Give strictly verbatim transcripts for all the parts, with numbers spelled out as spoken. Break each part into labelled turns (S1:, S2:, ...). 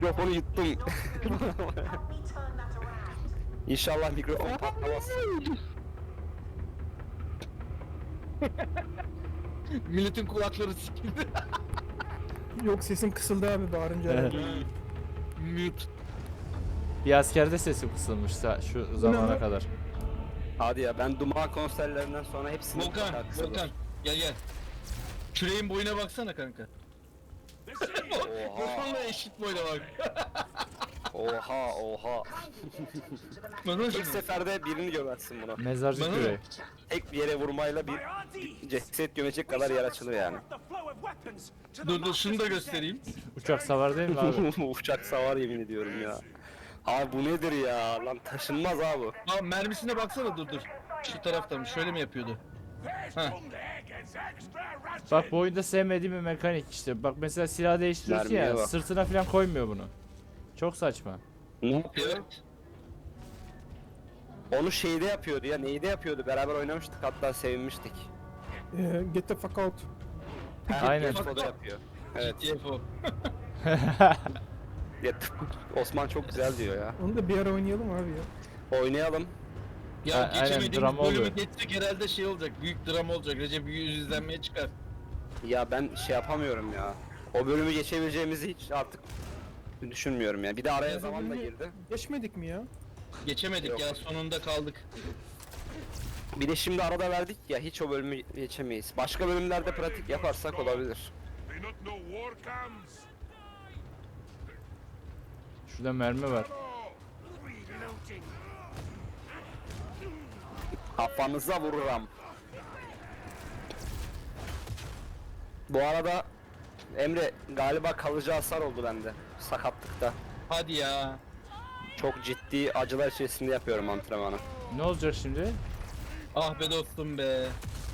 S1: Mikrofonu yuttum. İnşallah mikrofon patlamaz.
S2: Milletin kulakları sikildi.
S3: Yok, sesim kısıldı abi bağırınca. herhalde.
S2: Mute.
S4: Bir askerde sesi kısılmış sa- şu zamana
S3: lan?
S4: kadar.
S1: Hadi ya, ben Duman konserlerinden sonra hepsini
S2: Volkan,
S1: mutlaka kısadır.
S2: Volkan. Gel gel. Küreğin boyuna baksana kanka. Volkan'la eşit boyuna bak.
S1: Oha oha.
S2: Bakın
S1: Tek
S2: şimdi.
S1: seferde birini gömersin buna.
S4: Mezarcı
S2: Bana
S4: küreği.
S1: Tek bir yere vurmayla bir ceset gömecek kadar yer açılıyor yani.
S2: Dur dur şunu da göstereyim.
S4: Uçak savar değil mi abi?
S1: Uçak savar yemin ediyorum ya. Abi bu nedir ya? Lan taşınmaz abi.
S2: Aa mermisine baksana dur dur. Şu taraftan şöyle mi yapıyordu? Ha.
S4: Bak bu oyunda sevmediğim bir mekanik işte. Bak mesela silah değiştiriyorsun
S1: Mermiye
S4: ya,
S1: bak.
S4: sırtına falan koymuyor bunu. Çok saçma.
S1: Ne yapıyor?
S2: Evet.
S1: Onu şeyde yapıyordu ya. Neyde yapıyordu? Beraber oynamıştık, hatta sevinmiştik.
S3: Ee, get the fuck out.
S4: Aynen.
S1: O da yapıyor. Evet.
S2: G T F O.
S1: Ya, Osman çok güzel diyor ya.
S3: Onu da bir ara oynayalım abi ya.
S1: Oynayalım.
S2: Ya
S4: A- aynen,
S2: geçemediğimiz
S4: drama
S2: bölümü
S4: oluyor.
S2: geçsek herhalde şey olacak. Büyük drama olacak. Recep yüz izlenmeye çıkar.
S1: Ya ben şey yapamıyorum ya. O bölümü geçebileceğimizi hiç artık düşünmüyorum ya. Bir de araya
S3: Ya
S1: zaman da
S3: bölümü
S1: girdi.
S3: Geçmedik mi ya?
S2: Geçemedik
S1: Yok.
S2: ya sonunda kaldık.
S1: Bir de şimdi arada verdik ya, hiç o bölümü geçemeyiz. Başka bölümlerde pratik yaparsak olabilir.
S5: They not know war comes.
S4: Şurada mermi var.
S5: Reloading.
S1: Kafanıza vururum. Bu arada Emre, galiba kalıcı hasar oldu bende sakatlıkta.
S2: Hadi ya.
S1: Çok ciddi acılar içerisinde yapıyorum antrenmanı.
S4: Ne olacak şimdi?
S2: Ah be dostum be.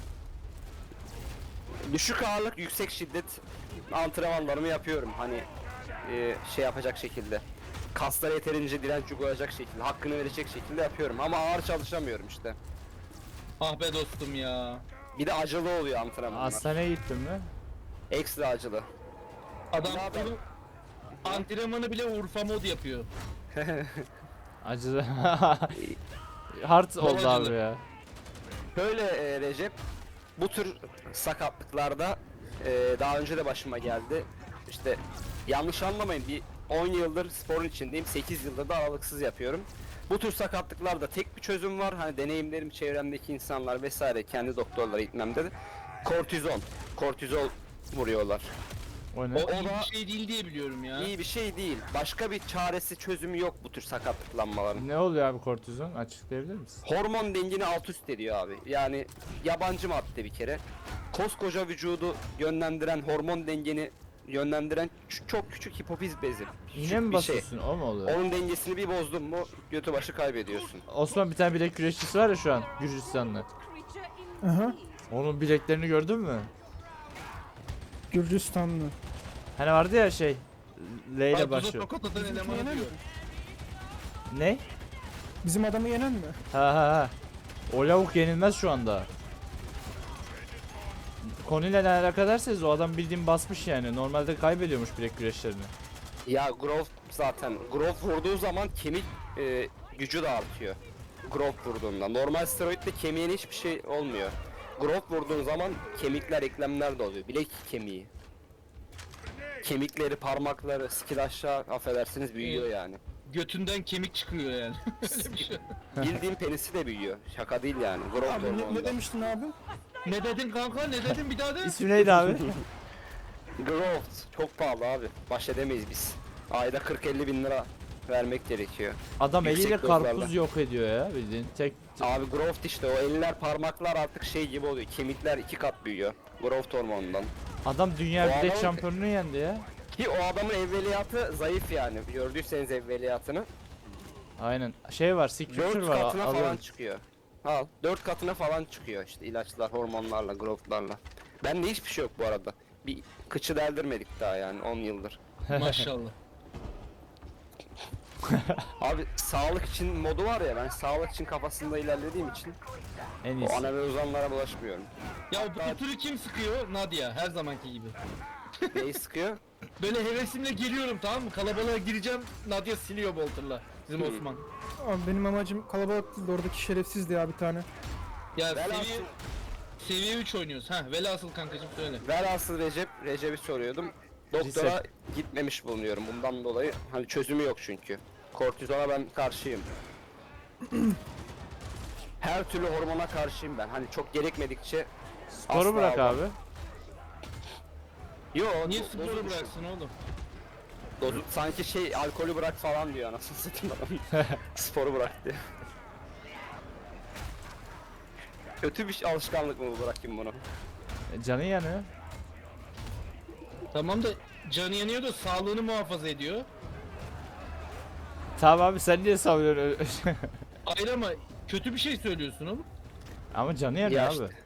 S1: Düşük ağırlık, yüksek şiddet antrenmanlarımı yapıyorum. Hani e, şey yapacak şekilde. Kaslara yeterince direnç uygulayacak şekilde, hakkını verecek şekilde yapıyorum. Ama ağır çalışamıyorum işte.
S2: Ah be dostum ya.
S1: Bir de acılı oluyor antrenmanlar.
S4: Hastaneye gittin mi?
S1: Ekstra acılı.
S2: Adam
S1: Ne yapalım?
S2: bunu antrenmanı bile Urfa mod yapıyor.
S4: Acıdı. Hard oldu
S2: acıdı.
S4: abi ya.
S1: Böyle e, Recep, bu tür sakatlıklarda e, daha önce de başıma geldi. İşte yanlış anlamayın, bir on yıldır sporun içindeyim, sekiz yıldır da aralıksız yapıyorum. Bu tür sakatlıklarda tek bir çözüm var. Hani deneyimlerim, çevremdeki insanlar vesaire, kendi doktorlara gitmemde de kortizon, kortizol vuruyorlar.
S4: O ne?
S2: O,
S1: O
S2: iyi
S1: da-
S2: bir şey değil diye biliyorum ya.
S1: İyi bir şey değil. Başka bir çaresi, çözümü yok bu tür sakatlıklanmaların.
S4: Ne oluyor abi kortizon? Açıklayabilir misin?
S1: Hormon dengini alt üst ediyor abi. Yani yabancı madde bir kere. Koskoca vücudu yönlendiren, hormon dengeni yönlendiren ç- çok küçük hipofiz bezi.
S4: İğne
S1: Küçük
S4: mi
S1: bir şey.
S4: basıyorsun? O mu oluyor?
S1: Onun dengesini bir bozdun mu götü başı kaybediyorsun.
S4: Osman bir tane bilek güreşçisi var ya şu an Gürcistanlı.
S3: Aha.
S4: Onun bileklerini gördün mü?
S3: Gürcistanlı.
S4: Hani vardı ya şey L ile
S2: Karpuza
S4: başlıyor.
S2: tokat atan
S3: Bizimki
S2: elemanı
S3: yenen mi?
S2: diyor.
S4: Ne?
S3: Bizim adamı yenen mi?
S4: Ha ha ha. O lavuk yenilmez şu anda. Konuyla ne alaka derseniz o adam bildiğin basmış yani. Normalde kaybediyormuş bilek güreşlerini.
S1: Ya growth zaten. Growth vurduğu zaman kemik e, gücü de artıyor. Growth vurduğunda. Normal steroidde kemiğine hiçbir şey olmuyor. Growth vurduğun zaman kemikler, eklemler de oluyor. Bilek kemiği. Kemikleri, parmakları, skill aşağı affedersiniz büyüyor yani.
S2: Götünden kemik çıkıyor yani. Öyle bir şey.
S1: Bildiğim penisi de büyüyor. Şaka değil yani. Growth
S3: Abi ne, ne
S1: hormonundan.
S3: demiştin abi?
S2: Ne dedin kanka? Ne dedin bir daha de?
S4: İsmi neydi abi?
S1: Growth çok pahalı abi. Baş edemeyiz biz. Ayda kırk elli bin lira vermek gerekiyor.
S4: Adam
S1: Yüksek
S4: eliyle
S1: dozlarla.
S4: karpuz yok ediyor ya bildiğin. Tek
S1: Abi growth işte, o eller parmaklar artık şey gibi oluyor. Kemikler iki kat büyüyor. Growth hormonundan.
S4: adam dünya
S1: O
S4: bilek
S1: adam-
S4: şampiyonunu yendi ya.
S1: Ki o adamın evveliyatı zayıf yani. Gördüyseniz evveliyatını.
S4: Aynen. Şey var, Signature
S1: Dört
S4: var.
S1: katına
S4: al-
S1: falan
S4: alıyorum.
S1: çıkıyor. Al. Dört katına falan çıkıyor işte ilaçlar, hormonlarla, growthlarla. Bende hiçbir şey yok bu arada. Bir kıçı deldirmedik daha yani on yıldır.
S2: Maşallah.
S1: Abi sağlık için modu var ya, ben sağlık için kafasında ilerlediğim için
S4: En
S1: o
S4: iyisi.
S1: ana ve uzanlara bulaşmıyorum.
S2: Ya bu türü kim sıkıyor? Nadia her zamanki gibi.
S1: Neyi sıkıyor?
S2: böyle hevesimle geliyorum, tamam mı? Kalabalığa gireceğim, Nadia siliyor bolterla. Bizim
S1: Hmm.
S2: Osman.
S3: Abi benim amacım kalabalık değil de oradaki şerefsizdi ya bir tane.
S2: Ya
S1: Velhasıl-
S2: seviye seviye üç oynuyoruz. Ha, velhasıl kankacım söyle.
S1: Velhasıl Recep, Recep'i soruyordum. Doktora
S4: Reset.
S1: gitmemiş bulunuyorum bundan dolayı. Hani çözümü yok çünkü. Kortizona ben karşıyım. Her türlü hormona karşıyım ben. Hani çok gerekmedikçe
S4: Sporu
S1: asla
S4: bırak
S1: almam.
S4: abi.
S1: Yo,
S2: Niye
S1: do-
S2: sporu
S1: dozu düşün.
S2: bıraksın oğlum?
S1: Dozu, sanki şey alkolü bırak falan diyor anasını satayım adam. Sporu bırak diyor. Kötü bir şey- alışkanlık mı bu, bırakayım bunu?
S4: E, Canı yanıyor.
S2: Tamam da canı yanıyor da sağlığını muhafaza ediyor.
S4: Tamam abi sen niye savunuyorsun?
S2: Hayır ama kötü bir şey söylüyorsun oğlum.
S4: Ama canı yanıyor
S1: Ya
S4: abi.
S1: işte.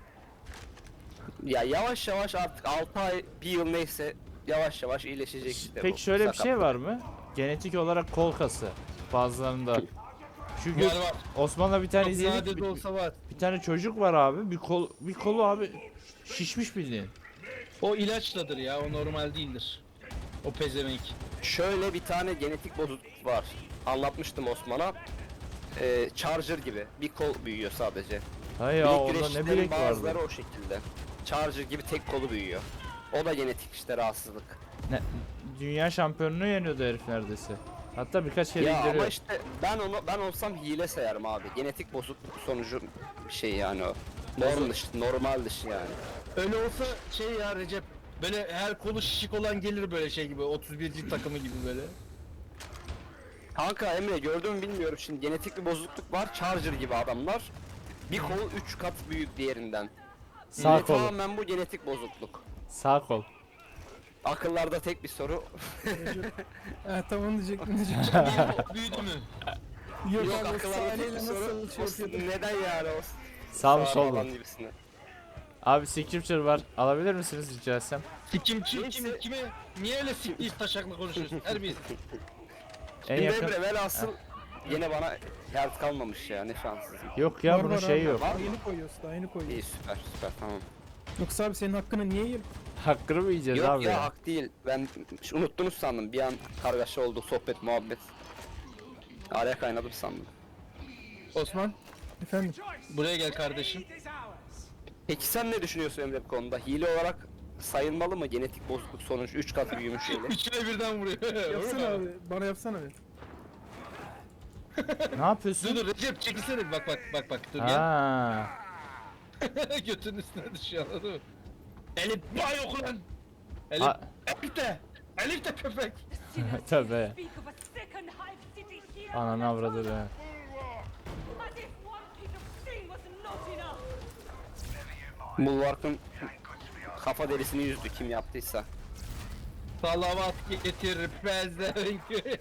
S1: Ya yavaş yavaş artık altı ay, bir yıl neyse yavaş yavaş iyileşecek işte.
S4: Peki
S1: bu
S4: şöyle bir şey
S1: sakatlık.
S4: var mı? Genetik olarak kol kası bazılarında. Çünkü
S2: Var var.
S4: Osman'la bir tane
S2: Çok
S4: izledik.
S2: nadir de
S4: Bir,
S2: olsa var.
S4: bir tane çocuk var abi. Bir kol bir kolu abi şişmiş bildiğin.
S2: O ilaçladır ya, o normal değildir. O pezevenk.
S1: Şöyle bir tane genetik bozukluk var. Anlatmıştım Osman'a. Ee, Charger gibi bir kol büyüyor sadece.
S4: Hay ya
S1: Bilek
S4: onda ne
S1: güreşçilerin
S4: bilek
S1: bazıları
S4: vardı.
S1: o şekilde. Charger gibi tek kolu büyüyor. O da genetik işte rahatsızlık.
S4: Ne, dünya şampiyonunu yeniyordu herif neredeyse. Hatta birkaç kere
S1: Ya ama
S4: indiriyor.
S1: işte ben onu ben olsam hile sayarım abi. Genetik bozukluk sonucu bir şey yani o. Norm dışı, normal dışı yani.
S2: Öyle olsa şey ya Recep, böyle her kolu şişik olan gelir böyle şey gibi, otuz birci takımı gibi böyle.
S1: Kanka Emre gördün mü bilmiyorum, şimdi genetik bir bozukluk var. Charger gibi adamlar. Bir kolu üç kat büyük diğerinden.
S4: Sağ
S1: Ve
S4: kolu.
S1: tamamen bu genetik bozukluk.
S4: Sağ kol.
S1: Akıllarda tek bir soru.
S3: Ha tamam diyecektim diyecektim.
S2: Büyüdü mü?
S3: Yok,
S1: Yok
S3: abi
S1: akıllarda tek bir
S3: saniyeyle
S1: soru.
S3: nasıl şey
S1: O-
S3: yapıyordun?
S1: Neden yani o?
S4: Sağ mı
S1: Sağ
S4: sol mu?
S1: falan gibisine.
S4: Abi scripture var. Alabilir misiniz rica etsem?
S2: Sikimçi
S1: Neyse.
S2: kim kime? Niye öyle siktiğiz taşakla konuşuyorsun? Her bir.
S4: En
S1: Şimdi
S4: yakın.
S1: Emre velhasıl yine bana yer kalmamış ya, ne şanssızım.
S4: Yok ya
S3: Var,
S4: bunun
S3: var
S4: şeyi
S3: abi.
S4: yok.
S3: Daha yeni koyuyorsun daha yeni koyuyorsun.
S1: İyi, süper süper, tamam.
S3: Yoksa abi senin hakkını niye yiyelim?
S4: Hakkını mı yiyeceğiz
S1: Yok
S4: abi
S1: ya,
S4: ya?
S1: hak değil. Ben ş- unuttunuz sandım. Bir an kargaşa oldu, sohbet muhabbet. Araya kaynadım sandım.
S2: Osman,
S3: Efendim?
S2: buraya gel kardeşim.
S1: Peki sen ne düşünüyorsun Emre bu konuda? Hile olarak sayılmalı mı genetik bozukluk sonucu üç kat büyümüş hile?
S2: Üçüne birden vuruyor.
S3: Yapsana abi. Bana yapsana bir.
S4: Ne yapıyorsun?
S2: Dur dur Recep çekilsene, bak bak bak bak dur gel.
S4: Ha.
S2: Götünün üstüne düşüyor, anladın mı? Elif bay oku lan. Elif,
S4: Ha.
S2: Elif de. Elif de köpek.
S4: Tövbe.
S6: Speak of a second hive city here.
S4: Ananı avradı be.
S6: As if one piece of string was not enough.
S1: Bulwark'ın kafa derisini yüzdü kim yaptıysa.
S2: Salavat getir pezevenk.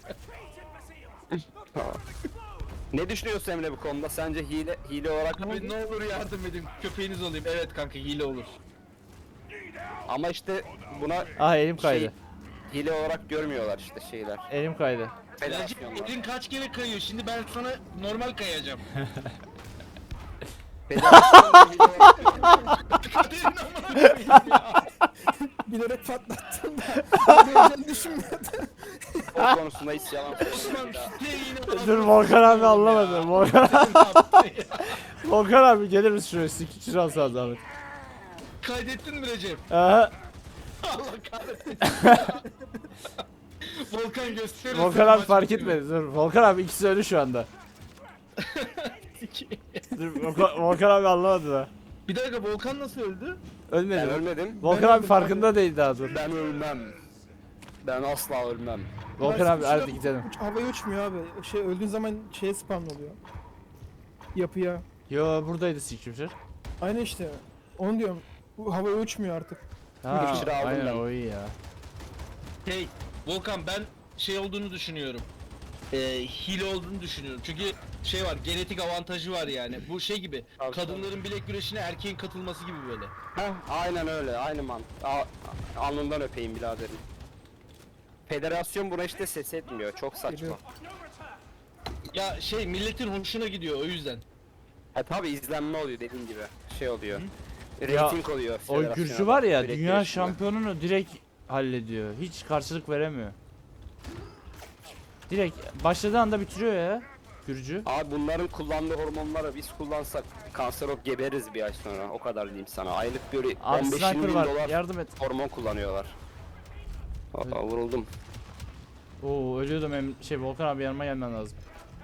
S1: Ne düşünüyorsun Emre bu konuda? Sence hile hile olarak mı?
S2: Abi ne olur yardım edin, köpeğiniz olayım. Evet kanka, hile olur.
S1: Ama işte buna
S4: Ah elim kaydı.
S1: şey, hile olarak görmüyorlar işte şeyler.
S4: Elim kaydı.
S2: Recep
S1: Federasyonlar.
S2: elin kaç kere kayıyor, şimdi ben sana normal kayacağım.
S1: Federasyonlar hile olarak görmüyor.
S3: Bilerek patlattım da. Böyle düşünmüyordum.
S1: O konusunda hiç yalan
S2: Osman
S1: söylemiyorum.
S2: siteye yine
S4: Dur Volkan abi anlamadı. Volkan, Volkan abi gelir misin şuraya? Sikişir alsan zahmet.
S2: Kaydettin mi Recep?
S4: Aha.
S2: Allah kahretsin. Volkan gösterir.
S4: Volkan abi fark etmedi. Dur Volkan abi ikisi ölü şu anda. Dur Volkan, Volkan abi anlamadı da.
S2: Bir dakika, Volkan nasıl öldü?
S4: Ölmedi.
S1: Ben
S4: mi?
S1: ölmedim.
S4: Volkan
S3: Ben
S4: abi
S3: öldüm,
S4: farkında değil daha dur.
S1: Ben ölmem. Ben asla ölmem.
S4: Volkan abi
S3: Uç-
S4: hadi gidelim.
S3: uç- Havaya uçmuyor abi. Şey öldüğün zaman şeye spawn oluyor. Yapıya.
S4: Yo buradaydı Sikrimşir.
S3: Aynı işte. Onu diyorum. Bu havaya uçmuyor artık.
S4: Ha,
S1: Sikrimşir'i aldım
S4: aynen
S1: ben.
S4: o iyi ya.
S2: Hey Volkan, ben şey olduğunu düşünüyorum. Ee, hile olduğunu düşünüyorum. Çünkü şey var, genetik avantajı var yani. Bu şey gibi,
S1: Tabii,
S2: kadınların bilek güreşine erkeğin katılması gibi böyle.
S1: Heh, aynen öyle, aynı man. A- alnından öpeyim biraderim. Federasyon buna işte ses etmiyor, çok saçma.
S3: Geliyor.
S2: Ya şey, milletin hoşuna gidiyor o yüzden.
S1: Ha tabi izlenme oluyor dediğin gibi, şey oluyor.
S4: Ya,
S1: Rating oluyor.
S4: O
S1: federasyona
S4: Gürcü
S1: da,
S4: var ya
S1: bilek
S4: dünya
S1: güreşinde.
S4: şampiyonunu direkt hallediyor. Hiç karşılık veremiyor. Direkt başladığı anda bitiriyor ya. Gürcü.
S1: Abi bunların kullandığı hormonları biz kullansak kanser olup geberiz bir ay sonra. O kadar diyeyim sana. Aylık böyle
S4: Abi
S1: on beş
S4: sniper
S1: yirmi bin
S4: var.
S1: dolar
S4: Yardım et.
S1: hormon kullanıyorlar. Aa, vuruldum.
S4: Oo ölüyordum em şey Volkan abi yanıma gelmen lazım.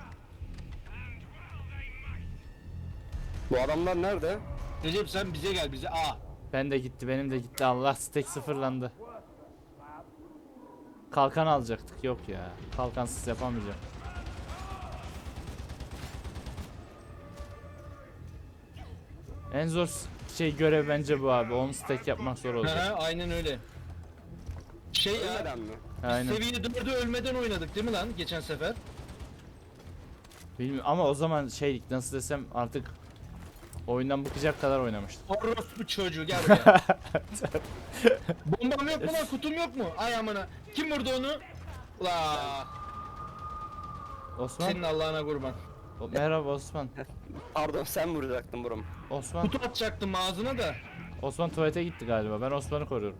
S1: Bu adamlar nerede?
S2: Recep sen bize gel bize. Aa.
S4: Ben de gitti, benim de gitti. Allah stack sıfırlandı. Kalkan alacaktık. Yok ya. Kalkansız yapamayacağım. En zor s- şey görev bence bu abi. on stack yapmak zor olacak.
S2: He, aynen öyle. Şey ya.
S1: Ölmeden mi?
S4: Aynen.
S2: Seviye dördü ölmeden oynadık değil mi lan geçen sefer?
S4: Bilmiyorum ama o zaman şeylik nasıl desem artık oyundan bıkacak kadar oynamıştım.
S2: Orospu çocuğu gel buraya. Bombam yok mu lan, kutum yok mu? Ay amına. Kim vurdu onu? La.
S4: Osman.
S2: Senin Allah'ına kurban.
S4: O- merhaba Osman.
S1: Pardon sen vuracaktın buram.
S4: Osman.
S2: Kutu atacaktım ağzına da.
S4: Osman tuvalete gitti galiba. Ben Osman'ı koruyorum.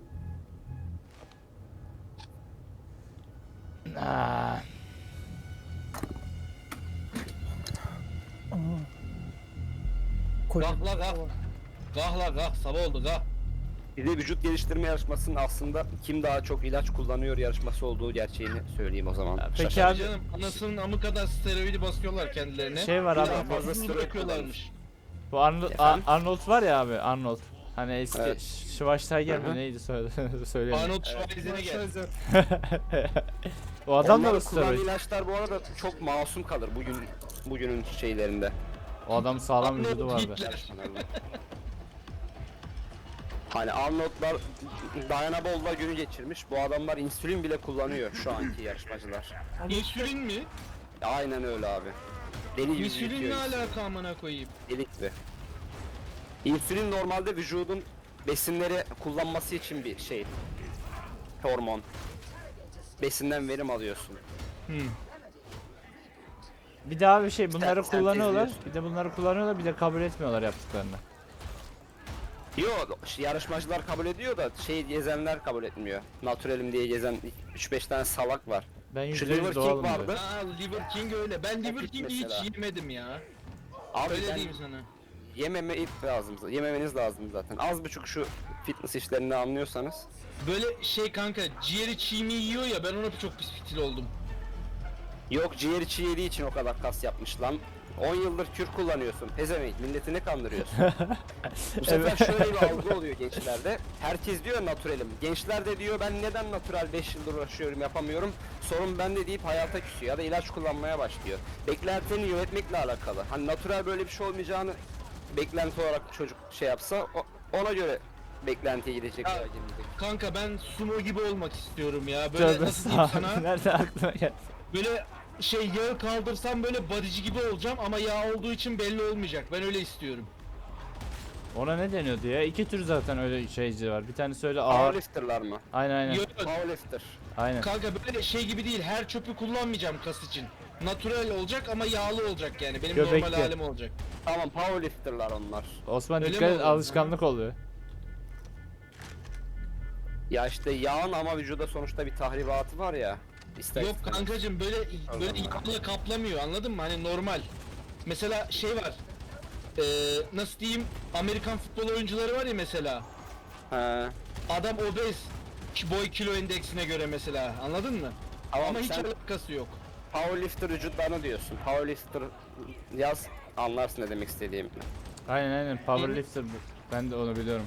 S4: Ah.
S3: Koca.
S2: Kalk la kalk. Kalk la kalk, sabah oldu kalk.
S1: Bir de vücut geliştirme yarışmasının aslında kim daha çok ilaç kullanıyor yarışması olduğu gerçeğini söyleyeyim o zaman.
S4: Peki
S1: Şaşırtıcı.
S4: abi-
S2: Canım anasının amı kadar steroidi basıyorlar kendilerine.
S4: Şey var abi,
S2: Bir daha
S1: fazla
S2: fazla
S1: steroid
S2: bırakıyorlarmış.
S4: Bu Arnold,
S1: Efendim?
S4: Ar- Arnold var ya abi, Arnold. Hani eski
S1: Evet.
S4: Ş- Schwarzenegger
S1: Hı
S4: mi
S1: hı.
S4: neydi söyle söyleyeyim.
S2: Arnold Schwarzenegger gel.
S3: Schwarzenegger.
S4: O adam da
S1: Onların
S4: mı
S1: kullandığı
S4: steroid?
S1: ilaçlar bu arada çok masum kalır bugün bugünün şeylerinde.
S4: O adam sağlam vücudu
S2: Arnold
S4: vardı.
S2: Hitler.
S1: Hani Arnold'lar Diana Ball'la günü geçirmiş. Bu adamlar insülin bile kullanıyor şu anki yarışmacılar.
S2: İnsülin mi?
S1: Aynen öyle abi. Deli gibi
S2: İnsülin ne
S1: yürütüyor insülin.
S2: alaka amına koyayım?
S1: Deli gibi. İnsülin normalde vücudun besinleri kullanması için bir şey. Hormon. Besinden verim alıyorsun.
S2: Hmm.
S4: Bir daha bir şey bunları
S1: Sen- sen
S4: kullanıyorlar.
S1: tezliyorsun.
S4: Bir de bunları kullanıyorlar, bir de kabul etmiyorlar yaptıklarını.
S1: Yok yarışmacılar kabul ediyor da şey gezenler kabul etmiyor. Naturalim diye gezen üç beş tane salak var.
S4: Ben
S1: Şu
S4: yüzde
S1: Liver
S4: yüz
S1: King
S4: doğalım
S1: vardı.
S4: diyor.
S2: Aa Liver King öyle. Ben Liver
S1: Epic
S2: King'i
S1: mesela.
S2: hiç yemedim ya.
S1: Abi
S2: Öyle
S1: ben
S2: diyeyim sana.
S1: yememe lazım. Yememeniz lazım zaten. Az buçuk şu fitness işlerini anlıyorsanız.
S2: Böyle şey kanka, ciğeri çiğ mi yiyor ya, ben ona çok pis fitil oldum.
S1: Yok ciğer içi yediği için o kadar kas yapmış lan. on yıldır kür kullanıyorsun. Pezevenk milletini kandırıyorsun. Bu sefer şöyle bir algı oluyor gençlerde. Herkes diyor naturalim. Gençler de diyor ben neden natural beş yıldır uğraşıyorum yapamıyorum. Sorun bende deyip hayata küsüyor ya da ilaç kullanmaya başlıyor. Beklentini yönetmekle alakalı. Hani natural böyle bir şey olmayacağını beklenti olarak çocuk şey yapsa o- ona göre beklentiye gidecek.
S2: Ya,
S1: veya gelecek.
S2: Kanka ben sumo gibi olmak istiyorum ya. Böyle
S4: Tövbe
S2: nasıl diyeyim
S4: estağfurullah.
S2: sana?
S4: Nerede aklına geldi?
S2: Böyle şey yağı kaldırsam böyle bodyci gibi olacağım ama yağ olduğu için belli olmayacak. Ben öyle istiyorum.
S4: Ona ne deniyordu ya? İki tür zaten öyle şeyci var. Bir tanesi öyle ağır.
S1: Powerlifter'lar mı?
S4: Aynen aynen.
S2: Yok,
S1: Powerlifter.
S4: Aynen.
S2: kanka böyle şey gibi değil. Her çöpü kullanmayacağım kas için. Natural olacak ama yağlı olacak yani. Benim
S4: Göbekli.
S2: normal halim olacak.
S1: Tamam powerlifter'lar onlar.
S4: Osman
S2: Öyle
S4: dikkat
S2: mi
S4: et,
S2: oldu?
S4: alışkanlık oluyor.
S1: Ya işte yağın ama vücuda sonuçta bir tahribatı var ya. İster
S2: Yok
S1: istemez.
S2: kankacım böyle böyle
S1: Allah.
S2: yağla kaplamıyor, anladın mı? Hani normal. Mesela şey var. Ee, nasıl diyeyim? Amerikan futbol oyuncuları var ya mesela.
S1: He.
S2: Adam obez. ki boy kilo endeksine göre mesela. Anladın mı?
S1: Tamam,
S2: Ama hiç
S1: sen-
S2: alakası yok.
S1: Powerlifter vücutlarını diyorsun. Powerlifter yaz anlarsın ne demek istediğimi.
S4: Aynen aynen. Powerlifter bu. Ben de onu biliyorum.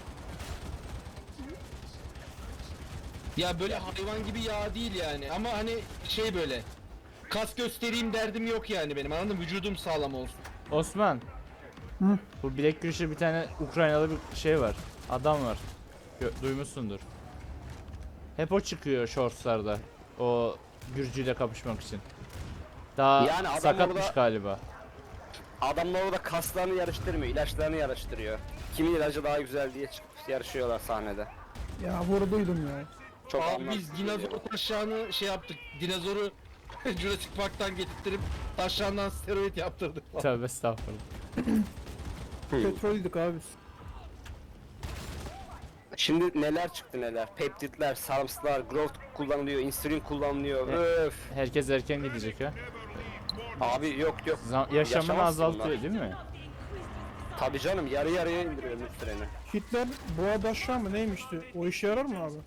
S2: Ya böyle hayvan gibi yağ değil yani. Ama hani şey böyle. Kas göstereyim derdim yok yani benim, anladın mı? Vücudum sağlam olsun.
S4: Osman.
S3: Hı?
S4: Bu bilek güreşi bir tane Ukraynalı bir şey var. Adam var. Gö- duymuşsundur. Hep o çıkıyor shortslarda. O Gürcüyle kapışmak için. Daha
S1: Yani adam
S4: sakatmış
S1: orada-
S4: galiba.
S1: Adamlar orada kaslarını yarıştırmıyor, ilaçlarını yarıştırıyor. Kimin ilacı daha güzel diye çıkıp yarışıyorlar sahnede.
S3: Ya vurduydum ya.
S1: Çok
S2: Abi
S1: anlamsız
S2: biz dinozor
S1: geliyor.
S2: taşağını şey yaptık. Dinozoru Jurassic Park'tan getirttirip taşağından steroid yaptırdık falan.
S4: Tövbe estağfurullah.
S3: Petroldük abi biz.
S1: Şimdi neler çıktı neler. Peptidler, sarımsaklar, growth kullanılıyor, insülin kullanılıyor.
S4: E-
S1: Öf.
S4: Herkes erken gidecek ha.
S1: Abi yok yok.
S4: Zam- yaşamını
S1: Yaşamazsın
S4: azaltıyor
S1: bunlar.
S4: değil mi?
S1: Tabii canım yarı yarıya indiriyor ömür süreni.
S3: Hitler boğa aşağı mı neymişti? O işe yarar mı abi?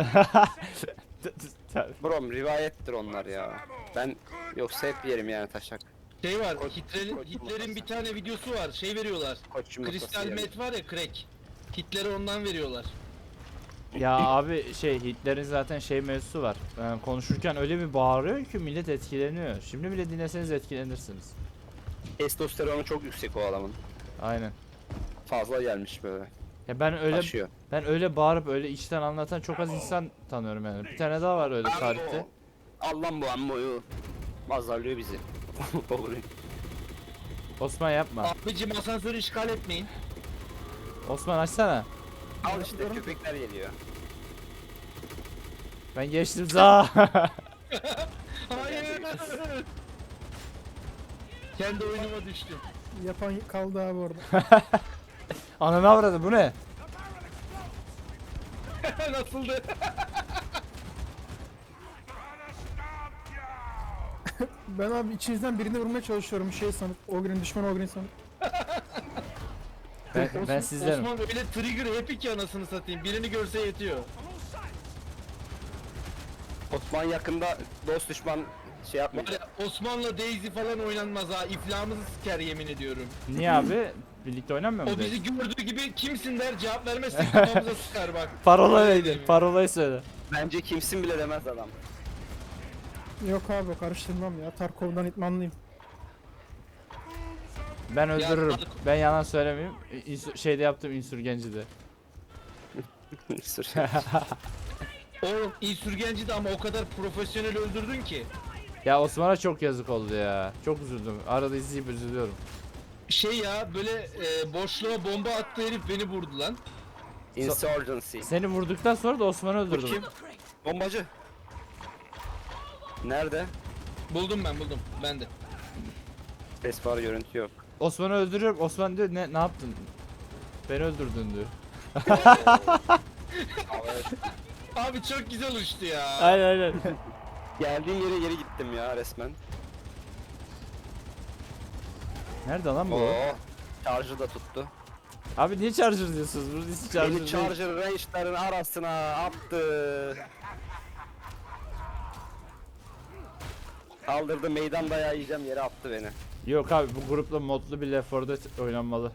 S1: Brom rivayettir onlar ya. Ben yoksa hep yerim yani taşak.
S2: Şey var,
S1: Koç-
S2: Hitler'in
S1: koç
S2: Hitler'in
S1: yumurtası.
S2: bir tane videosu var. Şey veriyorlar.
S1: Koç yumurtası
S2: Kristal
S1: yerim.
S2: met var ya, crack. Hitler'e ondan veriyorlar.
S4: Ya abi şey Hitler'in zaten şey mevzusu var. Yani konuşurken öyle bir bağırıyor ki millet etkileniyor. Şimdi bile dinleseniz etkilenirsiniz.
S1: Testosteronu çok yüksek o adamın.
S4: Aynen.
S1: Fazla gelmiş böyle.
S4: Ya ben öyle
S1: Taşıyor.
S4: ben öyle bağırıp öyle içten anlatan çok az insan tanıyorum yani. Bir tane daha var öyle tarihte.
S1: Allah bu ammoyu. Azarlıyor bizi. Olur.
S4: Osman yapma.
S2: Abicim asansörü işgal etmeyin.
S4: Osman açsana.
S1: Al işte köpekler geliyor.
S4: Ben geçtim za.
S2: Hayır. Kendi oyunuma düştüm.
S3: Yapan kaldı abi orada.
S4: Ananı avradı bu ne?
S2: Nasıldı?
S3: Ben abi içinizden birini vurmaya çalışıyorum şey sanıp. Ogrin düşman Ogrin sanıp.
S4: Ben, ben sizlerim.
S2: Osman öyle trigger happy ki anasını satayım. Birini görse yetiyor.
S1: Osman yakında dost düşman şey
S2: Var
S1: yapmayacak.
S2: ya, Osman'la Daisy falan oynanmaz ha. İflahımızı siker yemin ediyorum.
S4: Niye abi? Birlikte oynamıyor mu?
S2: O bizi gördüğü gibi kimsin der, cevap vermezsek kafamıza sıkar bak.
S4: Parola
S2: Öyle
S4: neydi?
S2: diyeyim.
S4: Parolayı söyle.
S1: Bence kimsin bile demez adam.
S3: Yok abi karıştırmam ya. Tarkov'dan itmanlıyım.
S4: Ben öldürürüm.
S2: Tarık-
S4: Ben yalan söylemeyeyim. İnsü- şeyde yaptım insürgenci de.
S2: O insürgenci de ama o kadar profesyonel öldürdün ki.
S4: Ya Osman'a çok yazık oldu ya. Çok üzüldüm. Arada izleyip üzülüyorum.
S2: Şey ya böyle e, boşluğa bomba attı herif beni vurdu lan.
S1: Insurgency.
S4: Seni vurduktan sonra da Osman'ı
S1: Bu
S4: öldürdüm.
S1: kim? Bombacı. Nerede?
S2: Buldum ben buldum. Ben de.
S1: Ses var görüntü yok.
S4: Osman'ı öldürüyorum. Osman diyor ne ne yaptın? Beni öldürdün diyor.
S2: Abi çok güzel uçtu ya.
S4: Aynen aynen.
S1: Geldiğim yere geri gittim ya resmen.
S4: Nerede lan bu?
S1: Oo. Charger da tuttu.
S4: Abi niye charger diyorsunuz? Burası charger
S1: Beni
S4: değil.
S1: Charger range'ların arasına attı. Kaldırdı meydan dayağı yiyeceğim yere attı beni.
S4: Yok abi bu grupla modlu bir Left four Dead oynanmalı.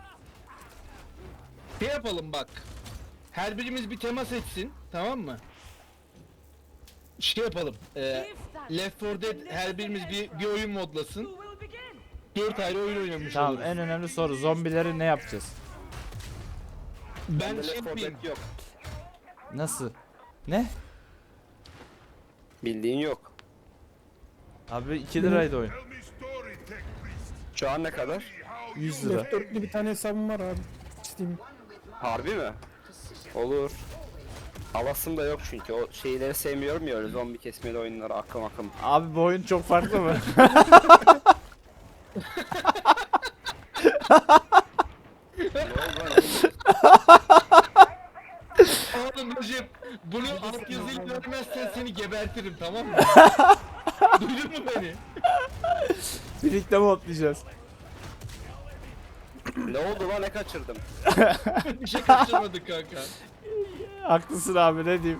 S2: Şey yapalım bak. Her birimiz bir temas etsin, tamam mı? Şey yapalım. E, Left four Dead her birimiz bir, bir oyun modlasın.
S6: Who will begin?
S2: Dört ayrı oyun oynamış
S4: Tamam
S2: oluruz.
S4: en önemli soru zombileri ne yapacağız?
S2: Ben
S1: Bende
S2: şey
S1: Left four
S2: yapayım.
S1: Dead yok.
S4: Nasıl? Ne?
S1: Bildiğin yok.
S4: Abi iki liraydı oyun.
S5: Tell me story, tech priest.
S1: Şu an ne kadar?
S4: yüz lira.
S3: Left dörtlü bir tane hesabım var abi. Steam.
S1: Harbi mi? Olur. Alasım da yok çünkü o şeyleri sevmiyorum ya öyle zombi kesmeli oyunları akım akım.
S4: Abi bu oyun çok farklı mı?
S1: Ne oldu lan?
S2: Oğlum Recep, bunu altyazıyı görmezsen seni gebertirim, tamam mı? Duydun mu beni?
S4: Birlikte modlayacağız.
S1: Ne oldu lan ne kaçırdım?
S2: Bir şey kaçırmadık kanka.
S4: Haklısın abi ne diyeyim.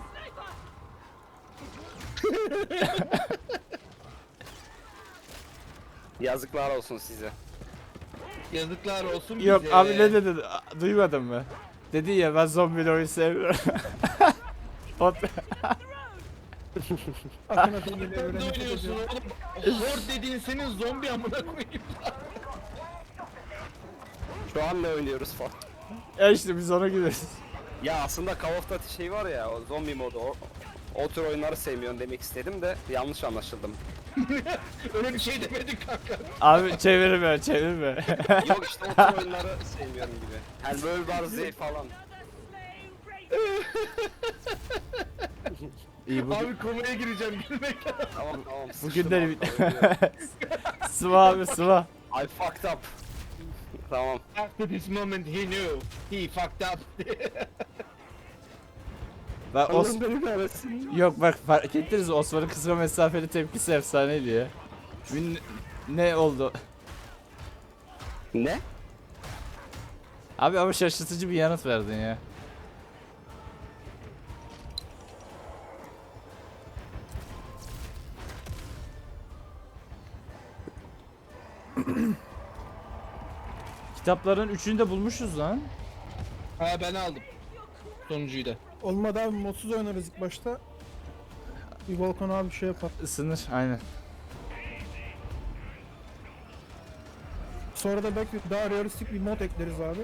S1: Yazıklar olsun size.
S2: Yazıklar olsun
S4: Yok
S2: bize.
S4: abi ne dedin? A- Duymadın mı? Dedi ya ben zombili oyun sevmiyorum. Ot-
S3: Akın akın geliyor
S2: Sen
S3: böyle
S2: de
S3: nefret
S2: oynuyorsun
S3: ediyor.
S2: oğlum. Horde dediğin senin zombi amına koyayım.
S1: Şu an ne oynuyoruz falan.
S4: ya işte biz ona gidiyoruz.
S1: Ya aslında Call of Duty şey var ya o zombi modu o, o tür oyunları sevmiyorum demek istedim de yanlış anlaşıldım.
S2: Öyle bir şey demedik kanka.
S4: Abi çevirme çevirme.
S1: Yok işte o tür oyunları sevmiyorum gibi. Yani World War Z falan.
S4: İyi bugün,
S2: Abi komaya gireceğim gülmekten.
S1: Tamam tamam.
S4: bugün de
S1: sıçtım abi,
S4: sıva abi sıva.
S1: I fucked up. Tamam.
S2: After this moment he knew. He fucked up.
S4: Bak Os
S1: Allah'ım beni kahretsin.
S4: Yok bak fark ettiniz mi? Osman'ın kısa mesafeli tepkisi efsaneydi ya. Bir- Ne oldu?
S1: Ne?
S4: Abi ama şaşırtıcı bir yanıt verdin ya. Kitapların üçünü de bulmuşuz lan.
S2: Ha ben aldım. Sonuncuyu da.
S3: Olmadı abi modsuz oynarız ilk başta. Bir Volkan abi şey yapar.
S4: Isınır aynen.
S3: Sonra da belki daha realistik bir mod ekleriz abi.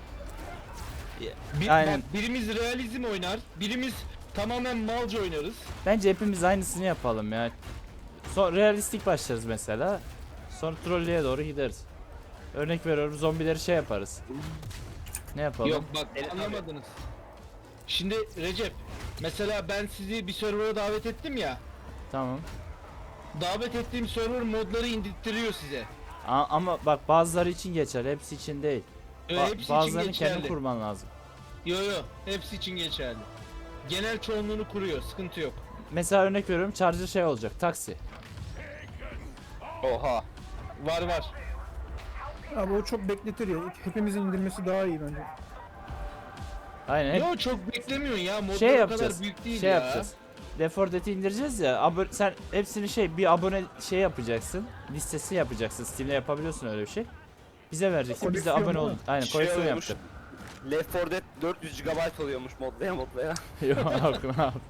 S2: Bir,
S4: Aynen.
S2: Bak, birimiz realizm oynar, birimiz tamamen malca oynarız.
S4: Bence hepimiz aynısını yapalım ya. Son realistik başlarız mesela. Sonra trolleye doğru gideriz. Örnek veriyorum zombileri şey yaparız. Ne yapalım?
S2: Yok bak
S1: Evet,
S2: anlamadınız. Şimdi Recep, mesela ben sizi bir server'a davet ettim ya.
S4: Tamam.
S2: Davet ettiğim server modları indirttiriyor size.
S4: A- ama bak bazıları için geçer, hepsi için değil.
S2: Ee,
S4: Ba-
S2: hepsi için
S4: bazılarını
S2: geçerli.
S4: kendin kurman lazım.
S2: Yo yo, hepsi için geçerli. Genel çoğunluğunu kuruyor, sıkıntı yok.
S4: Mesela örnek veriyorum charger şey olacak, taksi.
S1: Oha.
S2: Var var.
S3: Abi o çok bekletir ya. Hepimizin indirmesi daha iyi bence.
S4: Aynen. hep
S2: Yo çok beklemiyorsun ya, modlar
S4: şey
S2: o kadar
S4: yapacağız.
S2: büyük değil
S4: Şey
S2: ya.
S4: yapacağız. Left four Dead'i indireceğiz ya. Abo- sen hepsini şey bir abone şey yapacaksın. Listesi yapacaksın. Steam'de yapabiliyorsun öyle bir şey. Bize vereceksin. Biz de
S3: Koleksiyon
S4: abone
S3: değil
S4: olun.
S3: mi?
S4: Aynen
S1: Şey
S4: koleksiyon
S1: oluyormuş.
S4: yapacağız.
S1: Left four Dead dört yüz gigabayt oluyormuş modlaya modlaya.
S4: Yok ne yap-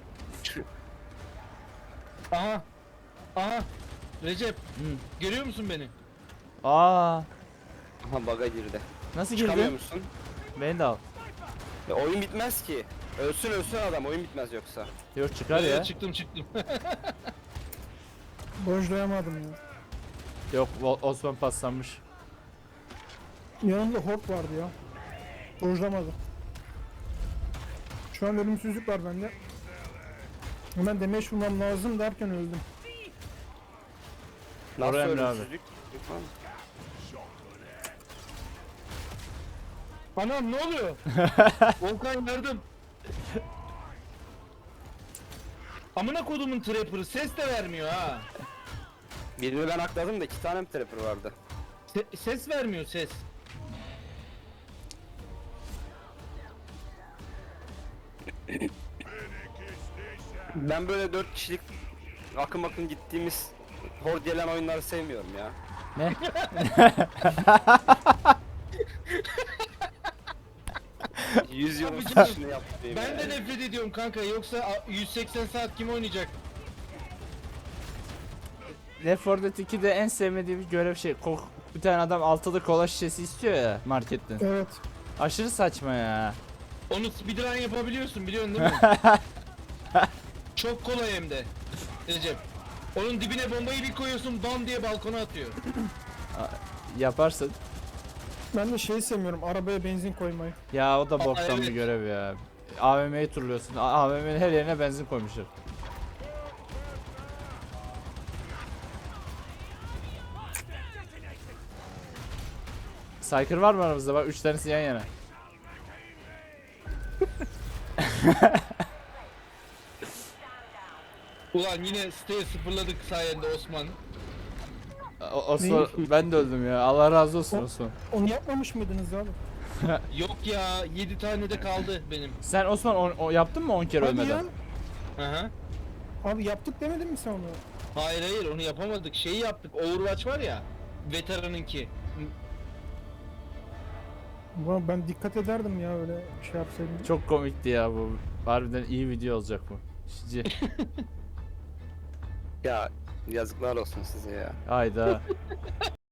S2: Aha. Aha. Recep,
S4: Hı.
S2: görüyor musun beni?
S4: Aa,
S1: Aha bug'a girdi.
S4: nasıl
S1: Çıkamıyor
S4: girdin?
S1: musun?
S4: Beni de al.
S1: Ya oyun bitmez ki. Ölsün ölsün adam oyun bitmez yoksa.
S4: Yok çıkar
S2: Ee,
S4: ya.
S2: Çıktım çıktım.
S3: Dojlayamadım ya.
S4: Yok O- Osman paslanmış.
S3: Yanımda hort vardı ya. Dojlamadı. Şu an ölümsüzlük var bende. Hemen damage vurmam lazım derken öldüm.
S1: Nasıl
S4: Oraya Emre abi.
S1: ölümsüzlük?
S2: Anam ne oluyor? Volkan yardım. Amına kodumun trapper'ı ses de vermiyor ha.
S1: Birini ben akladım da iki tane mi trapper vardı?
S2: Se- ses vermiyor ses.
S1: Ben böyle dört kişilik akım akım gittiğimiz hor gelen oyunları sevmiyorum ya.
S4: Ne?
S1: yüz yılın
S2: Abi canım,
S1: suçunu yaptım
S2: Ben de nefret ediyorum kanka, yoksa a- yüz seksen saat kim oynayacak?
S4: Left four Dead ikide en sevmediğim görev şey. Ko- bir tane adam altılı kola şişesi istiyor ya marketten.
S3: Evet.
S4: Aşırı saçma ya.
S2: Onu speedrun yapabiliyorsun, biliyorsun değil mi? Çok kolay hem de. Recep. Onun dibine bombayı bir koyuyorsun, bam diye balkona atıyor.
S4: Yaparsın.
S3: Ben de şeyi sevmiyorum. Arabaya benzin koymayı.
S4: Ya o da boktan
S2: evet.
S4: bir görev ya. A V M'yi turluyorsun. A V M'nin her yerine benzin koymuşlar. Cyker var mı aramızda? Bak üç tanesi yan yana.
S2: Ulan yine siteyi sıfırladık sayende Osman.
S4: O- Osman ben de öldüm ya. Allah razı olsun Osman.
S3: Onu yapmamış mıydınız abi?
S2: Yok ya, yedi tane de kaldı benim.
S4: Sen Osman o, o yaptın mı on kere
S3: Hadi
S4: ölmeden?
S3: ya.
S2: Aha.
S3: Abi yaptık demedin mi sen onu?
S2: Hayır hayır, onu yapamadık. Şeyi yaptık. Overwatch var ya. Veteranınki.
S3: Ulan ben dikkat ederdim ya öyle şey yapsaydım.
S4: Çok komikti ya bu. Harbiden iyi video olacak bu. Şici.
S1: Ya yazıklar olsun size ya.
S4: Hayda.